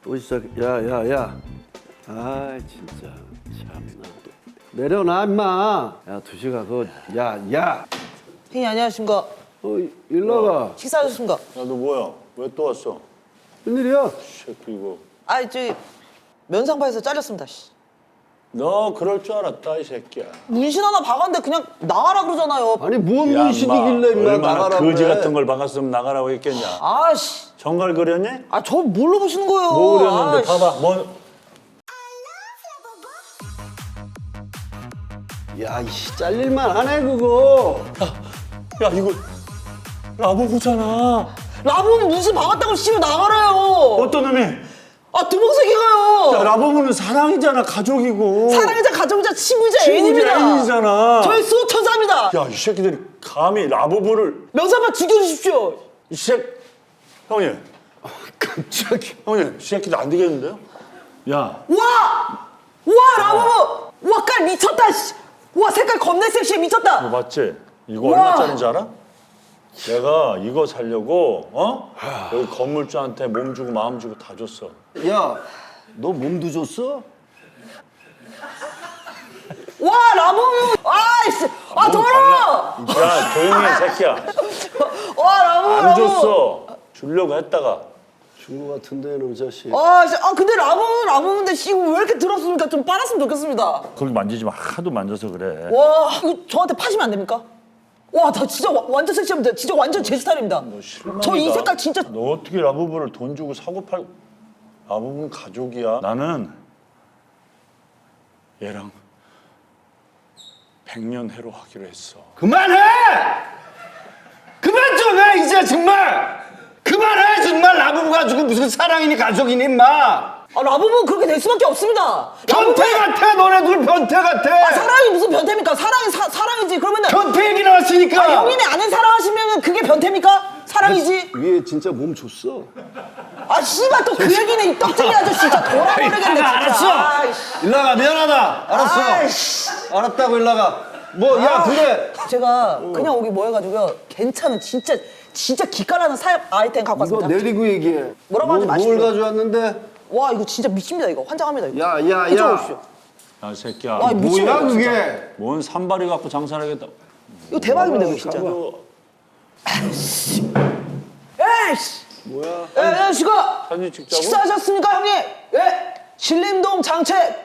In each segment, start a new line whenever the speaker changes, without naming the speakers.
또 시작. 야야야. 아 진짜 참나. 내려놔 임마. 야 두식아 그거 야.
형님 안녕하십니까?
일나가.
식사하셨습니까?
야, 너 뭐야? 왜 또 왔어?
웬일이야?
새끼 이거.
저기 면상파에서 잘렸습니다. 씨.
너 그럴 줄 알았다 이 새끼야.
문신 하나 박았는데 그냥 나가라 그러잖아요.
아니 뭔
야,
문신이길래 임마
얼마나
나가라고
거지
그래.
같은 걸 박았으면 나가라고 했겠냐?
아씨.
정갈 그렸니?
저 뭘로 보시는 거예요?
뭐 그렸는데
아이씨.
봐봐. 뭐
야 이씨 잘릴만 하네 그거.
야, 이거 라보부잖아.
라붐 문신 박았다고 씨발 나가라요.
어떤 놈이?
두목새끼가요.
야, 라보부는 사랑이잖아, 가족이고.
사랑이자 가족이자 친구이자
친구지,
애인입니다.
애인이잖아.
저희 수호천사입니다.
야, 이 새끼들이 감히 라보부를
면상파 죽여주십시오.
이 새끼 형님,
깜짝이야.
형님, 이 새끼들 안 되겠는데요? 야,
와 라붐. 와 깔 미쳤다. 씨. 와 색깔 겁내 섹시해 미쳤다.
너 맞지? 이거
우와.
얼마짜리인지 알아? 내가 이거 살려고 여기 건물주한테 몸 주고 마음 주고 다 줬어.
야 너 몸도 줬어?
와 라붐. 아이씨. 더러워.
야, 조용히 해, 새끼야.
와 라붐.
안 줬어. 주려고 했다가.
준 거 같은데 너 자식.
근데 라붐인데 씨 왜 이렇게 더럽습니까? 좀 빨았으면 좋겠습니다.
거기 만지지 마. 하도 만져서 그래.
와 이거 저한테 파시면 안 됩니까? 와 나 진짜 완전 섹시합니다. 진짜 완전 제 스타일입니다. 저 이 색깔 진짜.
너 어떻게 라부부를 돈 주고 사고 팔고. 라부부는 가족이야. 나는 얘랑 100년 해로 하기로 했어.
그만해! 그만 좀 해 이제 정말! 그만해 정말 라붐 가지고 무슨 사랑이니 가족이니 임마!
라붐은 그렇게 될 수밖에 없습니다.
변태 같아 너네들 변태 같아!
사랑이 무슨 변태입니까? 사랑이지. 그러면은
변태 얘기 나왔으니까!
형님이 아는 사랑하시면 그게 변태입니까? 사랑이지.
위에 진짜 몸 줬어.
씨발 또 그 얘기네 이 떡쟁이 아저씨 진짜 돌아버리겠네 진짜.
알았어!
아이씨.
일나가 미안하다 알았어.
아이씨.
알았다고 일나가. 뭐 야 그래.
제가 그냥 오기 뭐 해가지고요. 괜찮은 진짜 기깔나는 사업 아이템 갖고
이거
왔습니다.
내리고 얘기해.
뭐라고 하지 마십시오.
뭘 가져왔는데?
와 이거 진짜 미칩니다 이거. 환장합니다 이거.
야.
이쪽으로 오십시오.
야, 새끼야.
와, 미치겠네,
뭐야
진짜.
그게?
뭔 산발이 갖고 장사를 하겠다.
이거 대박입니다 이거 진짜. 에이씨.
뭐야?
시가
사진 찍자고?
식사하셨습니까 형님? 예. 신림동 장책.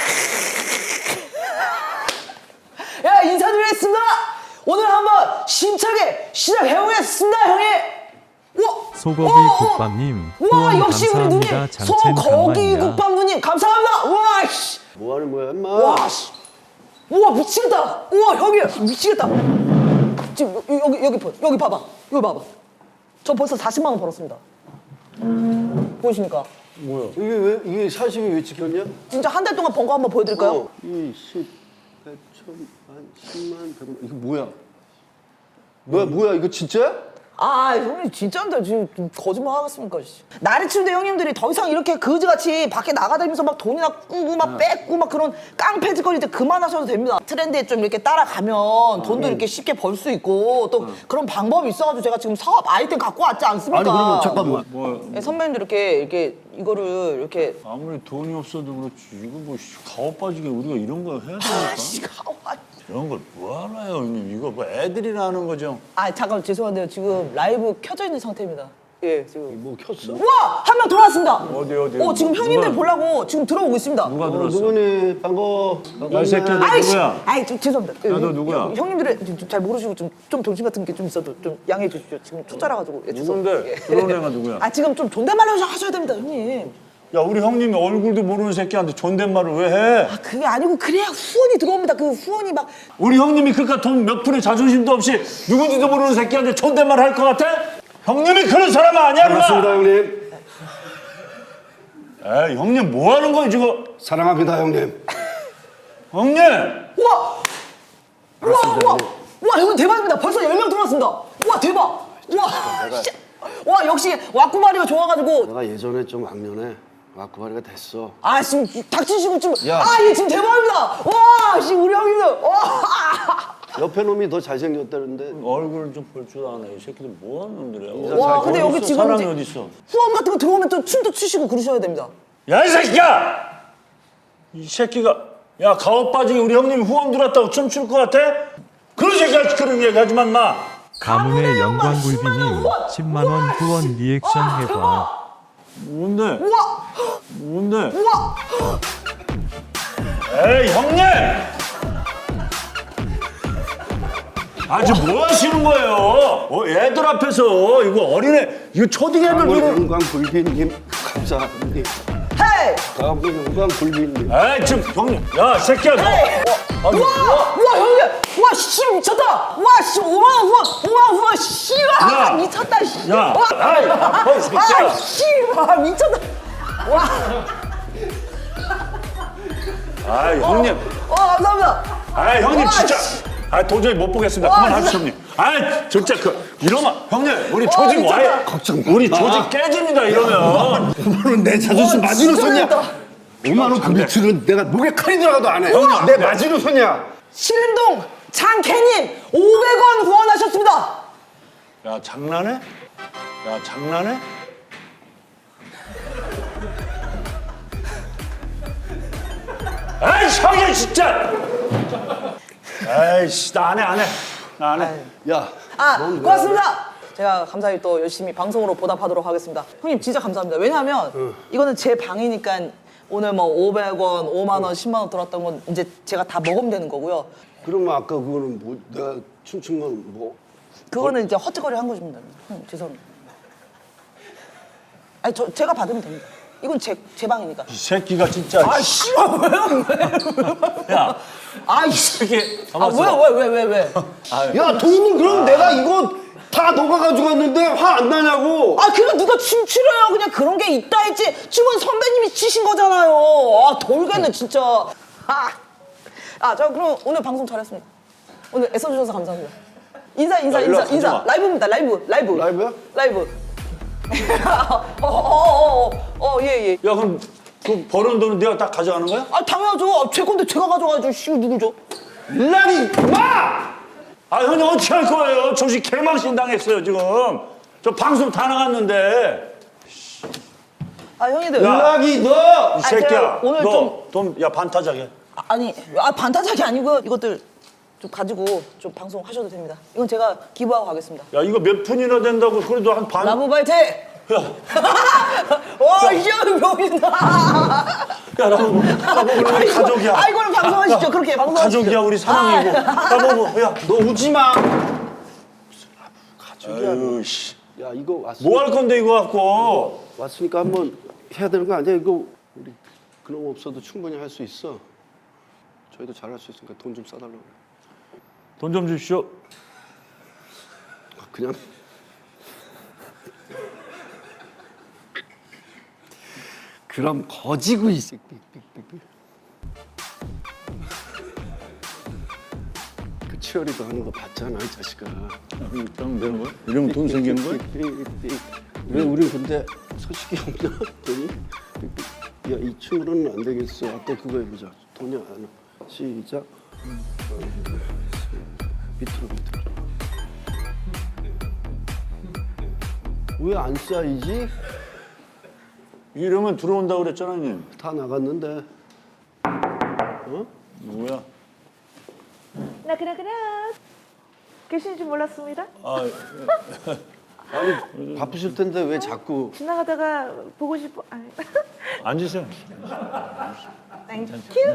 예 인사드리겠습니다. 오늘 한번 심차게 시작해보겠습니다 형님.
소고기 국밥님
와
후원
역시 우리 누님
감사합니다. 장첸
소고기
강만이야.
국밥 누님 감사합니다. 와 씨.
뭐 하는 거야 임마?
와 씨. 우와 미치겠다. 우와 형님 미치겠다. 지금 여기 봐봐. 여기 봐봐. 저 벌써 40만 원 벌었습니다. 보이십니까?
뭐야?
이게 사실이 왜 찍혔냐?
진짜 한 달 동안 번 거 한번 보여드릴까요?
2, 10, 100천, 만, 10만, 100만. 이거 뭐야? 뭐야 이거 진짜야?
형님 진짜인데 지금 좀 거짓말 하겠습니까? 씨. 나리 치는데 형님들이 더 이상 이렇게 거지같이 밖에 나가다니면서 막 돈이나 꾸고 막 뺏고 막 그런 깡패짓거리 이제 그만하셔도 됩니다. 트렌드에 좀 이렇게 따라가면 돈도 이렇게 쉽게 벌 수 있고 또 그런 방법이 있어가지고 제가 지금 사업 아이템 갖고 왔지 않습니까?
아니 그러면 잠깐만.
뭐
예, 선배님들 이렇게 이거를 이렇게
아무리 돈이 없어도 그렇지. 이거 뭐 가오 빠지게 우리가 이런 거 해야 되니까. 이런 걸 뭐 하나요, 형님? 이거 뭐 애들이나 하는 거죠?
잠깐 죄송한데요. 지금 라이브 켜져 있는 상태입니다. 예, 지금.
뭐 켰어?
우와! 한 명 들어왔습니다.
어디?
지금 형님들
누가?
보려고 지금 들어오고 있습니다.
누가 들었어?
누구니? 반가워.
야, 이 새끼야, 너
아이씨!
누구야?
좀 죄송합니다.
야, 너 누구야?
형님들이 잘 모르시고 좀 정신 같은 게 좀 있어도 좀 양해해 주십시오. 지금 초짜라가지고. 예,
누군데? 들어온 애가 누구야?
지금 좀 존댓말 하셔야 됩니다, 형님.
야, 우리 형님이 얼굴도 모르는 새끼한테 존댓말을 왜 해?
그게 아니고 그래야 후원이 들어옵니다. 그 후원이 막
우리 형님이 그깟 돈 몇 푼의 자존심도 없이 누군지도 모르는 새끼한테 존댓말 할 것 같아? 형님이 그런 사람 아니야, 인마!
반갑습니다 형님.
에이, 형님 뭐 하는 거야, 지금?
사랑합니다 형님.
형님!
와, 형님 대박입니다. 벌써 10명 들어왔습니다. 와, 대박. 와, 역시 와꾸마리가 좋아가지고.
내가 예전에 좀 악년에 와꾸바리가 됐어.
지금 닥치시고 지금.
야.
이게 지금 대박입니다. 와, 우리 형님들. 와.
옆에 놈이 더 잘생겼다는데.
얼굴 좀 볼 줄 아네. 이 새끼들 뭐하는 놈들이야.
와, 근데 여기 지금
사람이
이제
어디 있어?
후원 같은 거 들어오면 또 춤도 추시고 그러셔야 됩니다.
야, 이 새끼야! 이 새끼가, 야, 가오 빠지게 우리 형님 후원 들어왔다고 춤출 것 같아? 그런 새끼가 그런 얘기 하지만 마.
가문의 영광굴비님 10만원 후원 리액션 해봐.
뭔데?
우와!
뭔데?
우와!
에이, 형님! 아, 지금 뭐 하시는 거예요? 애들 앞에서 이거 어린애, 이거 초딩 애들
가문
이거.
영광 굴비님 감사합니다.
헤이!
가문 영광 굴비님.
에이, 지금 형님, 야, 이 새끼야, 너.
헤이!
아, 너
우와! 우와, 형님! 우와, 씨, 미쳤다! 우와, 씨, 5만원 후원! 5만원 후원! 씨! 와,
야!
미쳤다, 씨!
야!
와!
아이, 이 새끼야.
아, 씨! 와, 미쳤다! 와!
아, 형님.
감사합니다!
아, 형님
와,
진짜.
씨.
아, 도저히 못 보겠습니다.
와,
그만하십시오, 형님. 아, 진짜 이러면 형님, 우리 조직
미쳤다.
와해. 우리 조직 깨집니다, 이러면.
5만 원 내 자존심 마지노
진짜
선이야.
재밌다.
5만 원 그 매출은 내가 목에 칼이 들어가도 안 해.
형님,
내 마지노 선이야.
신림동 장캐님 500원 후원하셨습니다.
야, 장난해? 야, 장난해? 아이, 형님 진짜. 아이씨, 나 안 해, 안 해. 나 안 해.
야.
고맙습니다. 제가 감사히 또 열심히 방송으로 보답하도록 하겠습니다. 형님 진짜 감사합니다. 왜냐하면 이거는 제 방이니까 오늘 뭐 500원, 5만 원, 10만 원 들었던 건 이제 제가 다 먹으면 되는 거고요.
그러면 아까 그거는 뭐 내가 춤춘 건 뭐?
그거는 이제 헛짓거리 한 것입니다. 죄송합니다. 아니 제가 받으면 됩니다. 이건 제 방이니까.
이 새끼가 진짜.
아 씨발 왜요?
야,
아이씨.
이게
왜?
야 돈은 그럼 내가 이거 다 너가 가져갔는데 화 안 나냐고.
아 그거 누가 춤추려요? 그냥 그런 게 있다 했지. 춤은 선배님이 치신 거잖아요. 아 돌겠네 진짜. 저 그럼 오늘 방송 잘했습니다. 오늘 애써주셔서 감사합니다. 인사.
가지마.
라이브입니다. 라이브.
라이브야?
라이브. 예.
야, 그럼 그 버는 돈은 네가 딱 가져가는 거야?
아 당연하죠. 제 건데 제가 가져가야죠. 씨 누구죠?
일라니 마!
아, 형님 어떻게 할 거예요? 조직 개망신 당했어요, 지금. 저 방송 다 나갔는데.
아 형님들.
일락이 너!
이 새끼야,
제가 오늘
너 돈, 야, 반타작해.
아니 반타작이 아니고요. 이것들 좀 가지고 좀 방송 하셔도 됩니다. 이건 제가 기부하고 가겠습니다.
야, 이거 몇 푼이나 된다고 그래도 한 반.
라브바이트!
야,
와, 이제 명이다.
야, 나보고 우리 가족이야.
아, 이거는 방송하시죠.
야,
그렇게 방송하시죠.
가족이야, 우리 사랑이고. 나보고, 야,
너 우지 마.
아유, 씨.
야 이거 왔으니까,
뭐 할 건데, 이거 갖고.
왔으니까 한번 해야 되는 거 아니야? 이거 우리 그놈 없어도 충분히 할 수 있어. 저희도 잘할 수 있으니까 돈 좀 싸달라고 그래.
돈 좀 주십시오.
그냥 그럼 거지고 있어. 그 치어리도 하는 거 봤잖아 이 자식아.
그럼 되는 거야? 이러면 돈 생기는 거야?
왜 우리 근데 소식이 없냐? 돈이? 야이 춤으로는 안 되겠어. 또 그거 해보자. 돈이 안 와. 시작. 밑으로. 왜 안 쌓이지?
이러면 들어온다고 그랬잖아, 형님.
다 나갔는데.
누구야?
나그나그나 계신 줄 몰랐습니다.
아,
아니 바쁘실 텐데 왜 자꾸
지나가다가 보고 싶어.
앉으세요.
땡큐.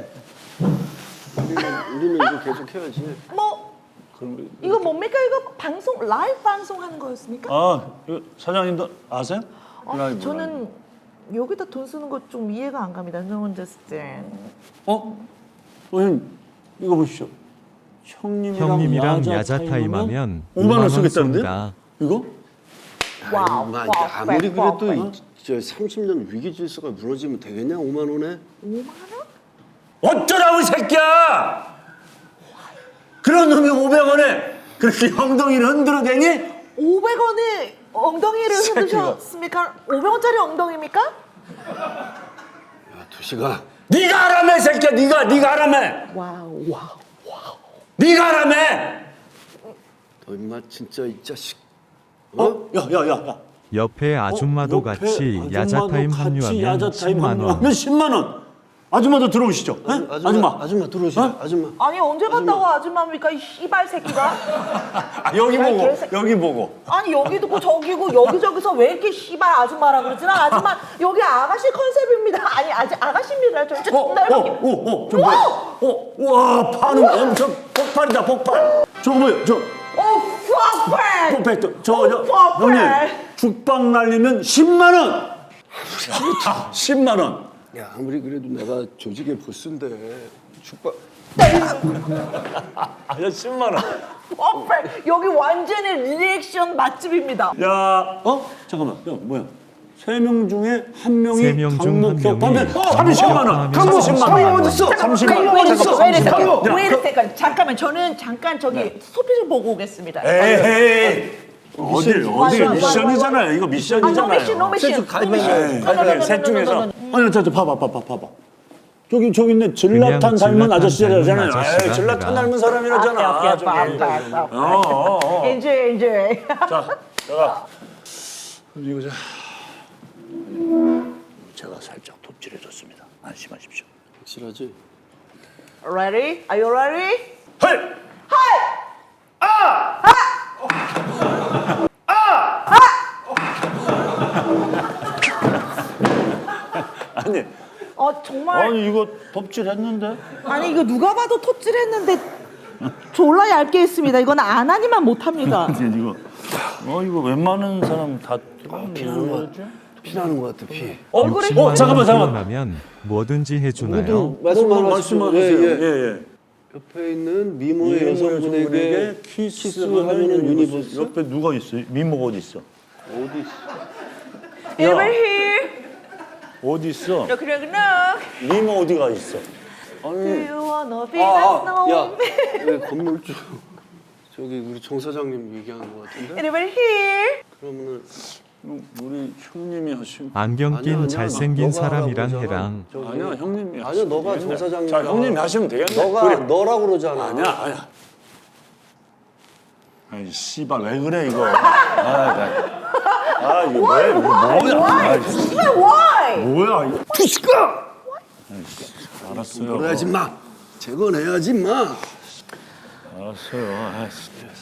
우리는 이거 계속 해야지.
뭐
그럼,
이거 뭡니까? 이거 방송 라이브 방송하는 거였습니까?
아, 이거 사장님도 아세요? 라이브,
저는 여기다 돈 쓰는 거 좀 이해가 안 갑니다. No understand.
형님, 이거 보십시오.
형님이랑 야자 타임 하면
5만 원
5만 원
쓰겠다는데요?
쏜다.
이거?
와우.
아니, 아무리 그래도 저 30년 위기 질서가 무너지면 되겠냐? 5만 원에?
5만 원?
어쩌라고 이 새끼야! 그런 놈이 500원에 그렇게 엉덩이를 흔들어대니?
500원에 엉덩이를 흔드셨습니까? 500원짜리 엉덩이입니까?
야 두시가
네가 하라며 이 새끼야, 네가 하라며.
와우.
네가 하라며!
너 임마 진짜 이 자식.
야야야야.
옆에 아줌마도 같이 야자타임 합류하면 10만 원.
10만 원. 아줌마도 들어오시죠. 에?
아줌마 들어오시죠. 아줌마.
아니 언제 간다고 아줌마입니까 이 씨발 새끼가?
아, 여기
야, 이
보고
개새끼.
여기 보고.
아니 여기도 고 저기고 여기저기서 왜 이렇게 씨발 아줌마라 그러지? 나 아줌마 여기 아가씨 컨셉입니다. 아니 아직 아가씨입니다. 저
저 뭐야? 와, 판은 엄청 폭발이다, 폭발. 저거 뭐야? 저
폭발!
폭발. 저
폭발!
형님 죽빵 날리면 10만 원. 10만 원.
야 아무리 그래도 내가 조직의 보스인데 축박.
아, 10만 원.
폭발! 여기 완전히 리액션 맛집입니다.
야, 잠깐만. 야, 뭐야? 3명 중에 1명이
세명중
강목표
한 명이
하면 30만 원.
하면
강목 10만 원.
강목 어딨어?
30만 원.
왜 이랬을까요? 잠깐만 저는 잠깐 저기 소피 좀 보고 오겠습니다.
에이. 어딜
맞아.
미션이잖아요. 이거
아,
미션이잖아요.
노 미션.
셋 중에서 아니 저 봐봐. 저기 있네. 질라탄
그냥
닮은 아저씨라잖아요.
질라탄 닮은
에이, 질라탄
아저씨가
닮은 사람이라잖아. 저기.
엔조이.
자, 제가 이거 제가 살짝 톱질해줬습니다. 안심하십시오.
확실하지?
Ready? Are you ready?
헐! 아니,
정말
아니 이거 톱질했는데?
아니 이거 누가 봐도 톱질했는데 졸라 얇게 했습니다. 이건 안 하니만 못합니다.
이거 웬만한 사람 다
피나는 거 같아. 피나는 거 같아 피.
얼굴에
60만 원
잠깐만.
후원하면 뭐든지 해주나요?
모든 말씀하십시오.
말씀하세요.
예. 옆에 있는 미모의 여성분에게 키스하는 유니버스.
옆에 누가 있어요? 미모가 어디 있어?
어디 있어?
Over here.
어디 있어?
Look.
미모 어디가 있어?
Do you wanna be
야,
my
왜 건물주 저기 우리 정 사장님 얘기하는 거 같은데?
Over here.
그러면은
우리 형님이 하신.
안경 낀
아니야,
잘생긴
너가
사람이랑
하라고
해랑
저기.
아니야, 형님이.
아니야, 너가 정 사장님.
자, 형님이 하시면 되겠네.
너가
그래.
너라고 그러잖아.
아니야. 아이 씨발 왜 그래 이거? 이거 왜? 이거 뭐야?
Why?
뭐야 이거?
푸시까!
알았어요.
그래야지 마. 재건해야지 마.
알았어요.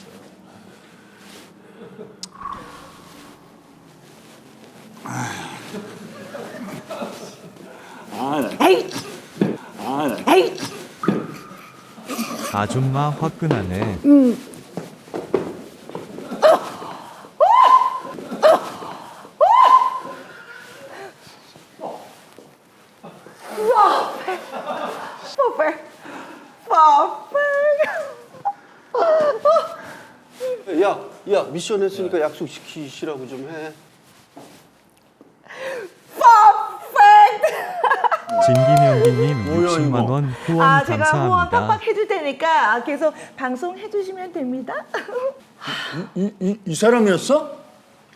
에이. 에이.
아줌마 화끈하네.
야 미션 했으니까 약속 시키시라고 좀 해.
진기명기님
뭐야,
60만
이거?
원 후원
제가 후원
감사합니다.
팍팍 해줄 테니까 계속 방송 해주시면 됩니다.
이 사람이었어?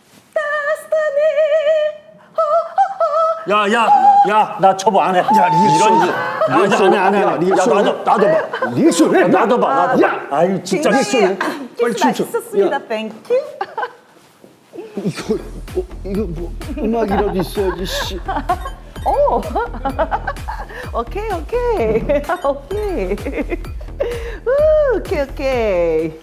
야, 나 처벌 안 해. 야,
리액션.
안 해. 야, 나도 봐.
리액션 해.
나도 봐. 야, 아이 진짜 리액션.
빨리 춤춰.
맛있었습니다. 땡큐.
이거 뭐 음악이라도 있어야지. 씨.
오케이. 오케이. 오케이.